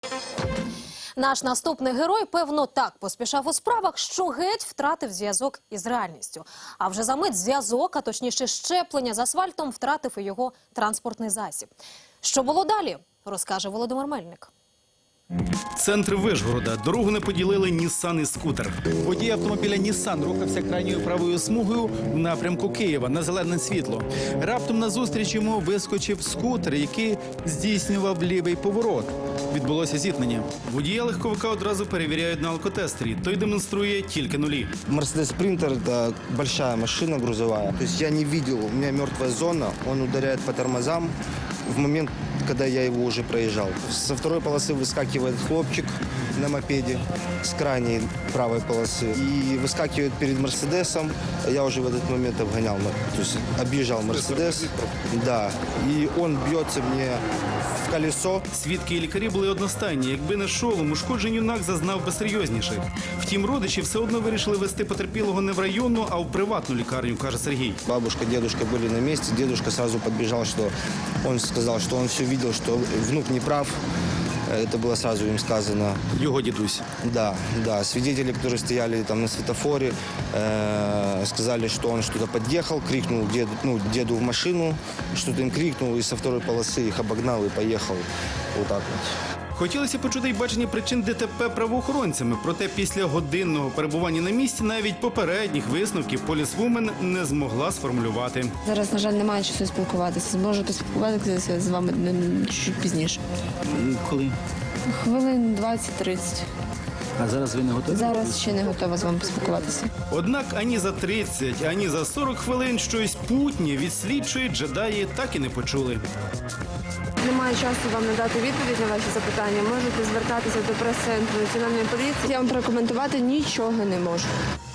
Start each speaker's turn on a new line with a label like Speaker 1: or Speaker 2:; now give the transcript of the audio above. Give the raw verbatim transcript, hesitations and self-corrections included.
Speaker 1: Наш наступний герой, певно, так поспішав у справах, що геть втратив зв'язок із реальністю. А вже за мить зв'язок, а точніше щеплення з асфальтом, втратив і його транспортний засіб. Що було далі, розкаже Володимир Мельник.
Speaker 2: Центр Вишгорода. Дорогу не поділили Нісан і скутер. Водій автомобіля Нісан рухався крайньою правою смугою в напрямку Києва на зелене світло. Раптом назустріч йому вискочив скутер, який здійснював лівий поворот. Відбулося зіткнення. Водія легковика одразу перевіряють на алкотестері. Той демонструє тільки нулі.
Speaker 3: Мерседес Спринтер – это большая машина грузовая. То есть я не видел, у меня мертвая зона, он ударяет по тормозам в момент, когда я его уже проезжал. Со второй полосы выскакивает хлопчик на мопеде с крайней правой полосы и выскакивает перед Мерседесом. Я уже в этот момент обгонял, то есть объезжал Мерседес. Да, и он бьется мне в колесо.
Speaker 2: Свідки і лікарі були одностайні. Якби не шолом, ушкоджень юнак зазнав би серйозніших. Втім, родичі все одно вирішили вести потерпілого не в районну, а в приватну лікарню, каже Сергій.
Speaker 3: Бабушка, дедушка были на месте. Дедушка сразу подбежал, что он сказал, что он все видел, что внук не прав. Это было сразу им сказано.
Speaker 2: Його дідусь.
Speaker 3: Да, да. Свидетели, которые стояли там на светофоре, э, сказали, что он что-то подъехал, крикнул деду, ну, деду в машину, что-то им крикнул, и со второй полосы их обогнал и поехал вот так вот.
Speaker 2: Хотілося почути й бачення причин ДТП правоохоронцями, проте після годинного перебування на місці навіть попередніх висновків полісвумен не змогла сформулювати.
Speaker 4: Зараз, на жаль, немає часу спілкуватися. Зможу поспілкуватися з вами чуть пізніше.
Speaker 5: Коли?
Speaker 4: Хвилин двадцять-тридцять.
Speaker 5: А зараз ви не готові?
Speaker 4: Зараз ще не готова з вами поспілкуватися.
Speaker 2: Однак ані за тридцять, ані за сорок хвилин щось путнє від слідчої джедаї так і не почули.
Speaker 6: Немає часу вам надати відповідь на ваші запитання. Можете звертатися до прес-центру національної поліції.
Speaker 4: Я вам прокоментувати нічого не можу.